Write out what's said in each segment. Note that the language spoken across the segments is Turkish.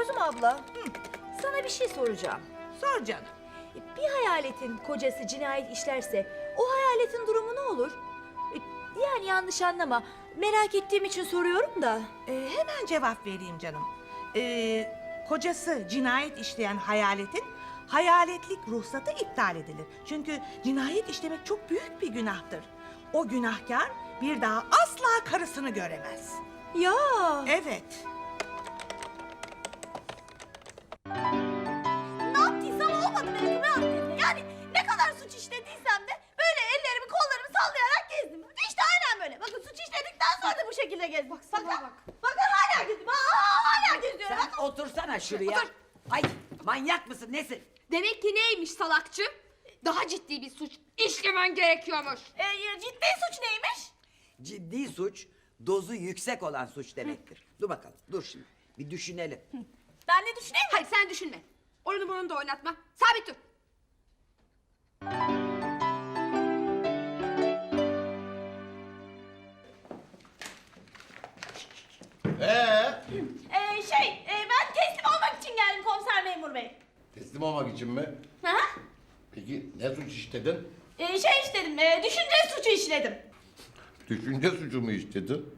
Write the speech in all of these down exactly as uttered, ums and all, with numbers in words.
Gözüm abla, sana bir şey soracağım. Sor canım. Bir hayaletin kocası cinayet işlerse o hayaletin durumu ne olur? Yani yanlış anlama, merak ettiğim için soruyorum da. Ee, hemen cevap vereyim canım. Ee, kocası cinayet işleyen hayaletin hayaletlik ruhsatı iptal edilir. Çünkü cinayet işlemek çok büyük bir günahtır. O günahkar bir daha asla karısını göremez. Ya. Evet. Ne yaptıysam olmadı benim kızım. Yani ne kadar suç işlediysem de böyle ellerimi kollarımı sallayarak gezdim. İşte aynen böyle. Bakın suç işledikten sonra da bu şekilde gezdim. Bak sana bak. Bakın hala gezdim. Aa, hala geziyorum. Sen otursana şuraya. Otur. Ay manyak mısın nesin? Demek ki neymiş salakçı? Daha ciddi bir suç işlemen gerekiyormuş. Ee, ciddi suç neymiş? Ciddi suç dozu yüksek olan suç demektir. Dur bakalım dur şimdi bir düşünelim. Ben ne düşüneyim? Hayır sen düşünme. Onu bunu da oynatma. Sabit dur. Ee, Ee, şey, e, ben teslim olmak için geldim komiser memur bey. teslim olmak için mi? Hı hı. Peki ne suç işledin? Ee, şey işledim, e, düşünce suçu işledim. Düşünce suçu mu işledin?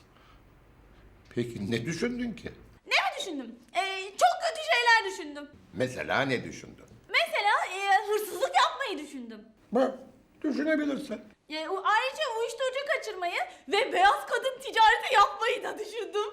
Peki ne düşündün ki? Ne mi düşündüm? Ee, çok kötü şeyler düşündüm. Mesela ne düşündün? Mesela e, hırsızlık yapmayı düşündüm. Bak, düşünebilirsin. E, o- ayrıca uyuşturucu kaçırmayı ve beyaz kadın ticareti yapmayı da düşündüm.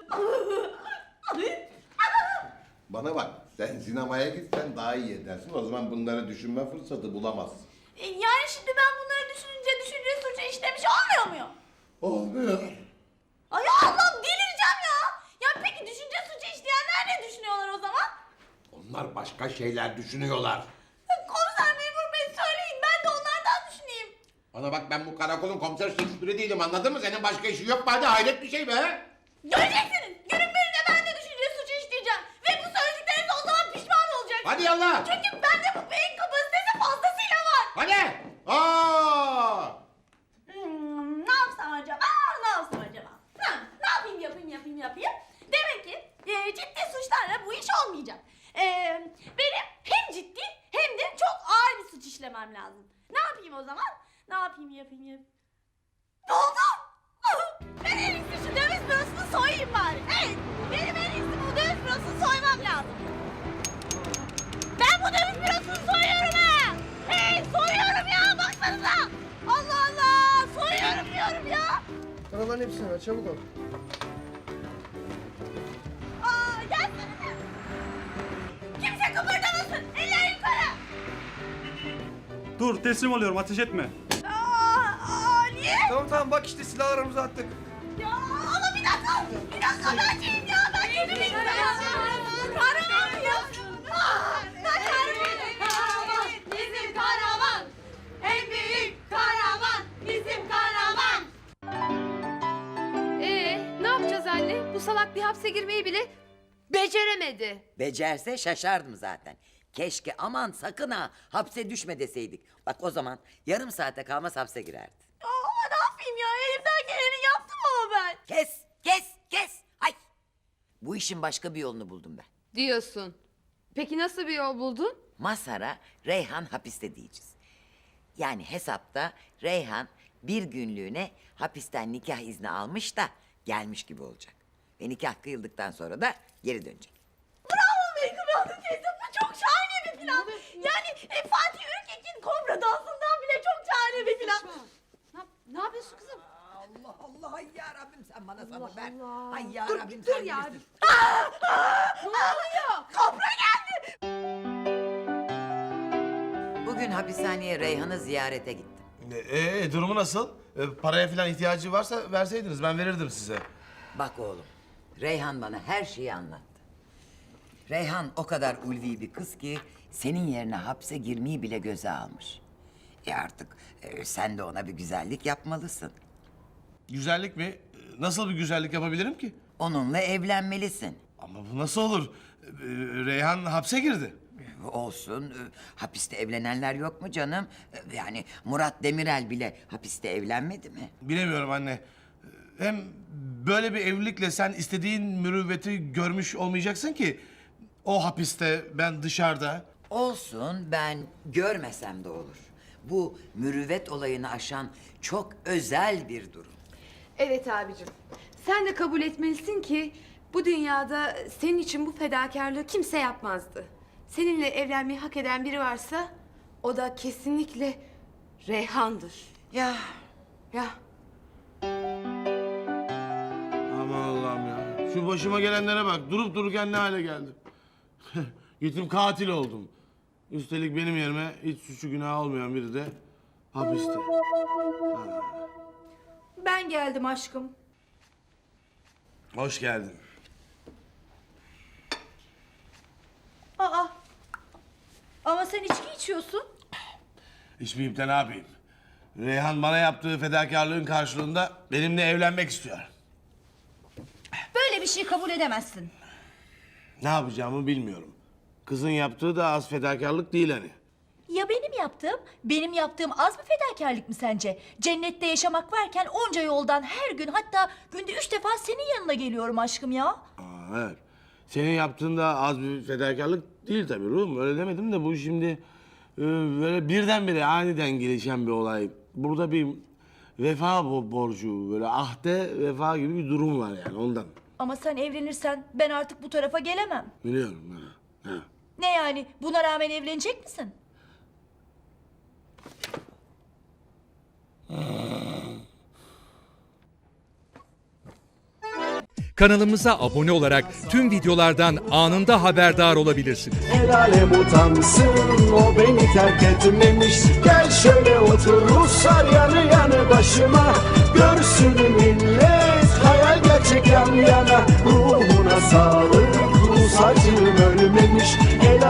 Bana bak, sen sinemaya gitsen daha iyi edersin. O zaman bunları düşünme fırsatı bulamazsın. E, yani şimdi ben bunları düşününce düşünce suçu işlemiş olmuyor muyum? Olmuyor. Ay Allah'ım delireceğim ya. Ya peki düşünce suçu işleyenler ne düşünüyorlar o zaman? Onlar başka şeyler düşünüyorlar. Komiser memur bey söyleyin ben de onlardan düşüneyim. Bana bak, ben bu karakolun komiser şefleri değilim, anladın mı? Senin başka işin yok mu? Hadi hayret bir şey be. Göreceksiniz. Günün birinde ben de düşünce suçu işleyeceğim. Ve bu söyledikleriniz o zaman pişman olacaksınız. Hadi yallah. Çünkü bende bu beyin kapasitesi fazlasıyla var. Hadi. Aa! Hmm, ne yapsam acaba? Ne yapsam acaba? Ha, ne yapayım yapayım yapayım yapayım. Demek ki e, ciddi suçlarla bu iş olmayacak. E, benim hem ciddi hem de çok ağır bir suç işlemem lazım. Ne yapayım o zaman? Ne yapayım yapayım yapayım. Ne oldu? Ben en iyisi şu döviz bürosunu soyayım bari. Evet, benim en iyisi bu döviz bürosunu soymam lazım. Ben bu döviz bürosunu soyuyorum ha! Hey, soyuyorum ya, baksanıza! Allah Allah, soyuyorum diyorum ya! Paraların hepsini ver, çabuk ol. Aa, gelsene! Kimse kıpırdamasın, eller yukarı! Dur teslim oluyorum ateş etme. Aa, aa, niye? Tamam tamam bak işte silahlarımızı attık. Ya ama bir dakika, bir dakika ben kimim ya, ben kimim ya? Kahraman ya! Aa, ben kahramanım! Kahraman, bizim kahraman! En büyük kahraman, bizim kahraman! Ee, ne yapacağız anne? Bu salak bir hapse girmeyi bile beceremedi. Becerse şaşardım zaten. Keşke aman sakın ha hapse düşme deseydik. Bak o zaman yarım saate kalmaz hapse girerdi. Ama ne yapayım ya, elimden geleni yaptım ama ben. Kes kes kes. Hay. Bu işin başka bir yolunu buldum ben. Diyorsun. Peki nasıl bir yol buldun? Mazhar'a Reyhan hapiste diyeceğiz. Yani hesapta Reyhan bir günlüğüne hapisten nikah izni almış da gelmiş gibi olacak. Ve nikah kıyıldıktan sonra da geri dönecek. Bravo be Kıbrıs teyze, bu çok şahane bir plan. Yani e, Fatih Ürkek'in kobra dansından bile çok şahane bir plan. Ne, ne yapıyorsun kızım? Allah Allah ay ya Rabbim sen bana sabır ver. Allah. Ay ya Dur, Rabbim dur sen ya. bilirsin. Ne oluyor? Kobra geldi. Bugün hapishaneye Reyhan'ı ziyarete gittim. Ee, durumu nasıl? Ee, paraya falan ihtiyacı varsa verseydiniz ben verirdim size. Bak oğlum, Reyhan bana her şeyi anlattı. Reyhan o kadar ulvi bir kız ki senin yerine hapse girmeyi bile göze almış. E artık e, sen de ona bir güzellik yapmalısın. Güzellik mi? Ee, Nasıl bir güzellik yapabilirim ki? Onunla evlenmelisin. Ama bu nasıl olur? Ee, Reyhan hapse girdi. Olsun, e, hapiste evlenenler yok mu canım? E, Yani Murat Demirel bile hapiste evlenmedi mi? Bilemiyorum anne. Ee, Hem böyle bir evlilikle sen istediğin mürüvveti görmüş olmayacaksın ki. O hapiste, ben dışarıda. Olsun, ben görmesem de olur. Bu mürüvvet olayını aşan çok özel bir durum. Evet abicim. Sen de kabul etmelisin ki bu dünyada senin için bu fedakarlığı kimse yapmazdı. Seninle evlenmeyi hak eden biri varsa o da kesinlikle Reyhan'dır. Ya Ya Aman Allah'ım ya. Şu başıma gelenlere bak. Durup dururken ne hale geldim. Gittim katil oldum. Üstelik benim yerime hiç suçu günah olmayan biri de hapiste. Ben geldim aşkım. Hoş geldin. Aa. Ama sen içki içiyorsun. İçmeyip de ne yapayım? Reyhan bana yaptığı fedakarlığın karşılığında benimle evlenmek istiyor. Böyle bir şey kabul edemezsin. Ne yapacağımı bilmiyorum. Kızın yaptığı da az fedakarlık değil hani. Ya benim yaptığım? Benim yaptığım az bir fedakarlık mı sence? Cennette yaşamak varken onca yoldan her gün, hatta günde üç defa senin yanına geliyorum aşkım ya. Aa, evet. Senin yaptığın da az bir fedakarlık değil tabii ruhum. Öyle demedim de bu şimdi e, böyle birdenbire aniden gelişen bir olay. Burada bir vefa bo- borcu, böyle ahde vefa gibi bir durum var yani ondan. Ama sen evlenirsen ben artık bu tarafa gelemem. Biliyorum. Ha. Ha. Ne yani? Buna rağmen evlenecek misin? Kanalımıza abone olarak tüm videolardan anında haberdar olabilirsiniz. El alem utansın, o beni terk etmemiş. Gel şöyle otur Ruslar yanı yanı başıma. Görsün millet hayal gerçek yan yana. Ruhuna sağlık Rus acım.